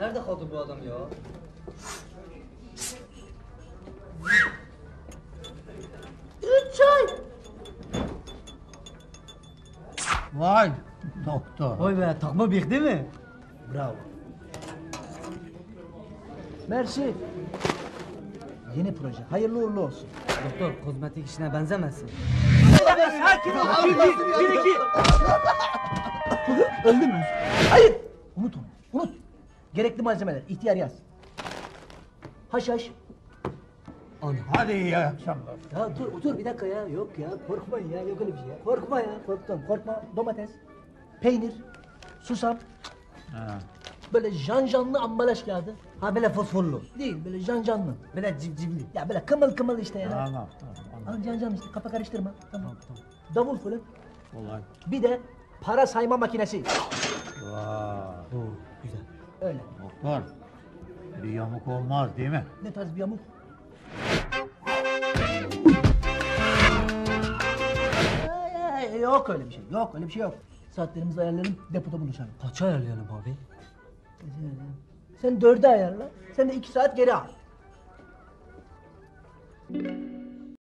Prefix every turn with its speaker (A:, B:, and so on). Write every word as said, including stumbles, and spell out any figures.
A: Nerede kaldı bu adam ya?
B: Üç ay.
C: Vay doktor.
A: Vay be, takma bıyık değil mi?
B: Bravo. Mersi. Yeni proje. Hayırlı uğurlu olsun.
A: Doktor, kozmetik işine benzemesin.
B: Sakin ol. Bir, bir, bir, iki. Öldü mü? Hayır. Unut onu. Unut. Gerekli malzemeler. İhtiyar yaz. Haşhaş.
A: Ana.
C: Hadi iyi akşamlar.
B: Ya dur otur bir dakika ya. Yok ya. Korkmayın ya. Yok öyle bir şey ya. Korkma ya. Korktum. Korkma. Domates. Peynir. Susam.
C: Ha.
B: Böyle janjanlı ambalaj kağıdı.
A: Ha böyle fosforlu.
B: Değil böyle janjanlı.
A: Böyle civcivli.
B: Ya böyle kımıl kımıl işte ya.
C: Tamam tamam.
B: Al cancan işte kafa karıştırma. Tamam. Davul fırın.
C: Kolay.
B: Bir de para sayma makinesi.
C: Vay.
A: Oo, güzel.
B: Öyle.
C: Doktor. Bir yamuk olmaz değil mi?
B: Ne tarz bir yamuk? Ay, ay, yok öyle bir şey. Yok öyle bir şey yok. Saatlerimizi ayarlayalım, depoda buluşalım.
A: Kaça ayarlayalım abi?
B: Sen dörde ayarla, sen de iki saat geri al.